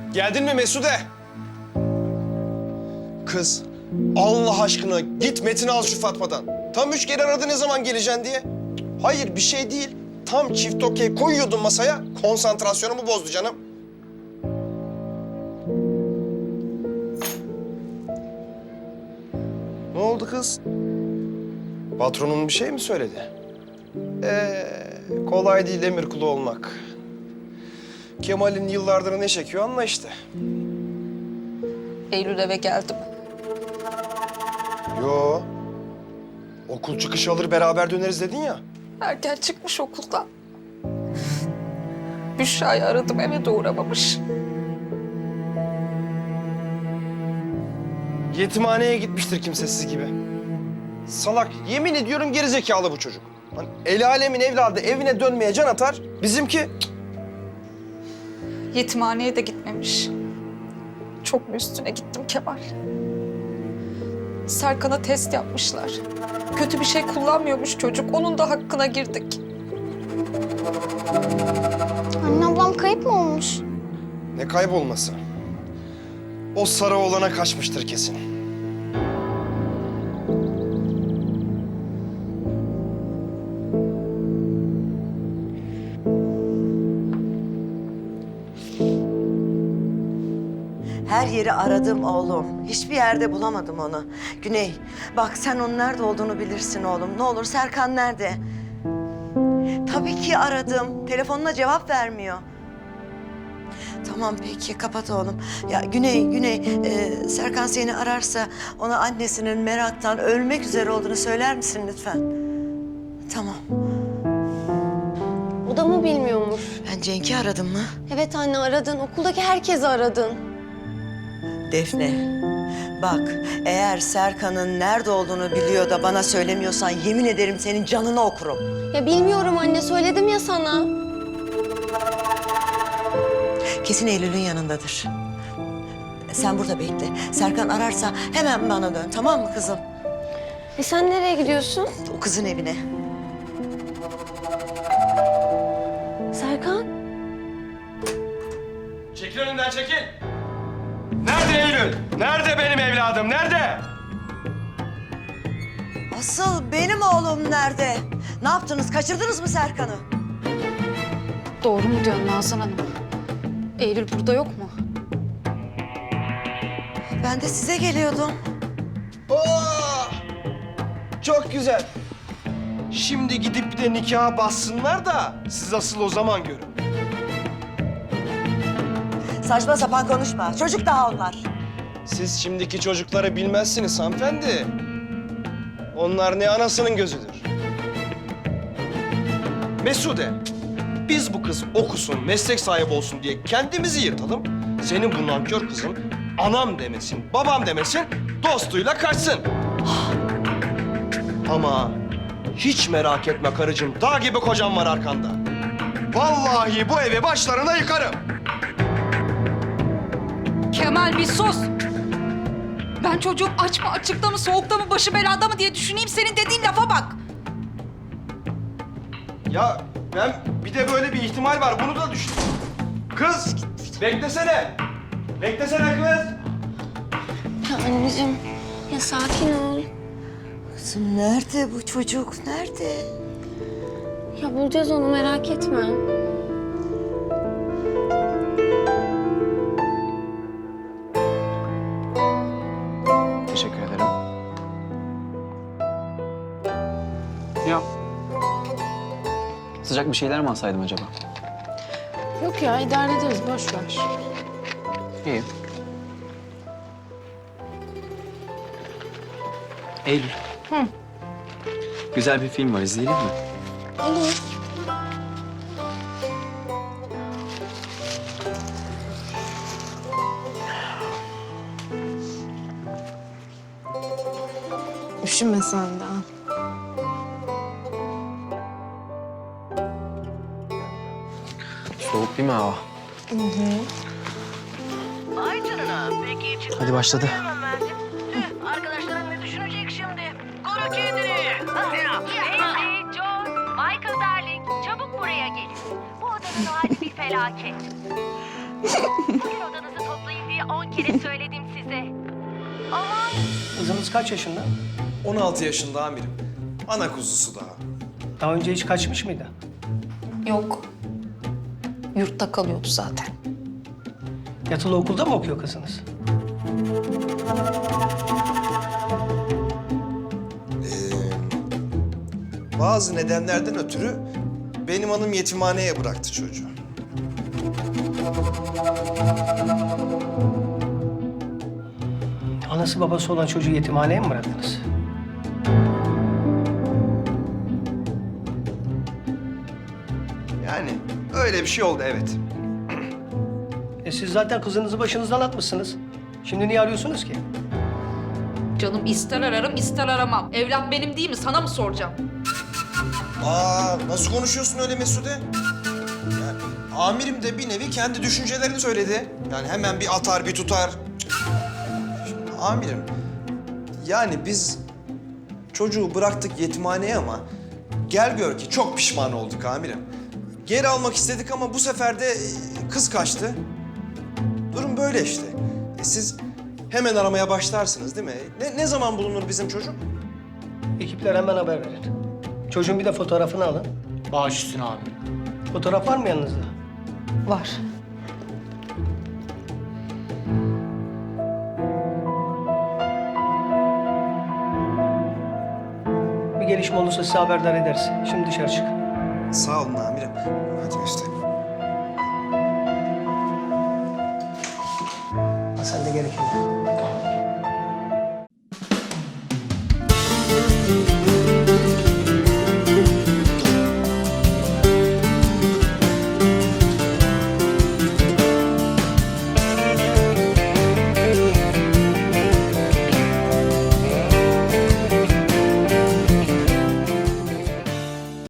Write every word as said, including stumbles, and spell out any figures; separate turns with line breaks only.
Geldin mi Mesude? Kız, Allah aşkına git Metin'i al şu Fatma'dan. Tam üç kere aradı ne zaman geleceksin diye. Hayır, bir şey değil. Tam çift okey koyuyordun masaya, konsantrasyonumu bozdu canım. Ne oldu kız? Patronun bir şey mi söyledi? Ee, kolay değil emir kulu olmak. Kemal'in yıllardır ne çekiyor anla işte.
Eylül eve geldi mi?
Yo. Okul çıkışı alır beraber döneriz dedin ya.
Erken çıkmış okuldan. Büşra'yı aradım, eve de uğramamış.
Yetimhaneye gitmiştir kimsesiz gibi. Salak, yemin ediyorum gerizekalı bu çocuk. Lan el alemin evladı evine dönmeye can atar. Bizimki cık.
Yetimhaneye de gitmemiş. Çok mu üstüne gittim Kemal? Serkan'a test yapmışlar. Kötü bir şey kullanmıyormuş çocuk. Onun da hakkına girdik.
Anne ablam kayıp mı olmuş?
Ne kaybolması. O sarı oğlana kaçmıştır kesin.
Her yeri aradım oğlum. Hiçbir yerde bulamadım onu. Güney, bak sen onun nerede olduğunu bilirsin oğlum. Ne olur Serkan nerede? Tabii ki aradım. Telefonuna cevap vermiyor. Tamam peki, kapat oğlum. Ya Güney, Güney, e, Serkan seni ararsa ona annesinin meraktan ölmek üzere olduğunu söyler misin lütfen? Tamam.
O da mı bilmiyormuş?
Ben Cenk'i aradım mı?
Evet anne aradın. Okuldaki herkesi aradın.
Defne, bak eğer Serkan'ın nerede olduğunu biliyor da bana söylemiyorsan yemin ederim senin canını okurum.
Ya bilmiyorum anne. Söyledim ya sana.
Kesin Eylül'ün yanındadır. Sen burada bekle. Serkan ararsa hemen bana dön, tamam mı kızım?
E sen nereye gidiyorsun?
O kızın evine.
Serkan?
Çekil önümden çekil. Nerede Eylül? Nerede benim evladım? Nerede?
Asıl benim oğlum nerede? Ne yaptınız? Kaçırdınız mı Serkan'ı?
Doğru mu diyorsun Nazan Hanım? Eylül burada yok mu?
Ben de size geliyordum.
Oo! Çok güzel. Şimdi gidip bir de nikaha bassınlar da siz asıl o zaman görün.
Saçma sapan konuşma. Çocuk daha onlar.
Siz şimdiki çocukları bilmezsiniz hanımefendi. Onlar ne anasının gözüdür. Mesude, biz bu kız okusun, meslek sahibi olsun diye kendimizi yırtalım. Senin bu nankör kızın anam demesin, babam demesin, dostuyla kaçsın. Ama hiç merak etme karıcığım, dağ gibi kocam var arkanda. Vallahi bu evi başlarına yıkarım.
Kemal bir sus! Ben çocuğum aç mı, açıkta mı, soğukta mı, başı belada mı diye düşüneyim. Senin dediğin lafa bak.
Ya ben bir de böyle bir ihtimal var. Bunu da düşün. Kız beklesene. Beklesene kız.
Ya anneciğim. Ya sakin ol.
Kızım nerede bu çocuk? Nerede?
Ya bulacağız onu merak etme.
Teşekkür ederim. Ya. Sıcak bir şeyler mi alsaydım acaba?
Yok ya idare ederiz boş ver.
İyi. Eylül.
Hı.
Güzel bir film var, izleyelim mi?
Olur.
Üşüme sen de.
Soğuk değil mi hava?
Ay canına. Peki çıktı.
Hadi başladı.
Tüh, arkadaşların ne düşünecek şimdi? Koru kendini.
Casey, John, Michael Darling, çabuk buraya gelin. Bu odada
Evin hali bir felaket. Bugün odanızı toplayın diye on kere söyledim size. Aman
Kızınız kaç yaşında?
on altı yaşında amirim. Ana kuzusu daha.
Daha önce hiç kaçmış mıydı?
Yok. Yurtta kalıyordu zaten.
Yatılı okulda mı okuyor kızınız?
Bazı nedenlerden ötürü benim hanım yetimhaneye bıraktı çocuğu.
Anası babası olan çocuğu yetimhaneye mi bıraktınız?
Yani öyle bir şey oldu evet.
E siz zaten kızınızı başınızdan atmışsınız. Şimdi niye arıyorsunuz ki?
Canım ister ararım ister aramam. Evlat benim değil mi? Sana mı soracağım?
Aa, nasıl konuşuyorsun öyle Mesude? Yani, amirim de bir nevi kendi düşüncelerini söyledi. Yani hemen bir atar bir tutar. Şimdi, amirim, yani biz çocuğu bıraktık yetimhaneye ama gel gör ki çok pişman olduk amirim. Geri almak istedik ama bu sefer de e, kız kaçtı. Durum böyle işte. E, siz hemen aramaya başlarsınız değil mi? Ne, ne zaman bulunur bizim çocuk?
Ekipler hemen haber verin. Çocuğun bir de fotoğrafını alın.
Baş üstüne abi.
Fotoğraf var mı yanınızda?
Var.
Bir gelişme olursa size haberdar ederiz. Şimdi dışarı çık.
Sağ olun amirim. Hadi Mesut.
Ha, sen de gerekeni.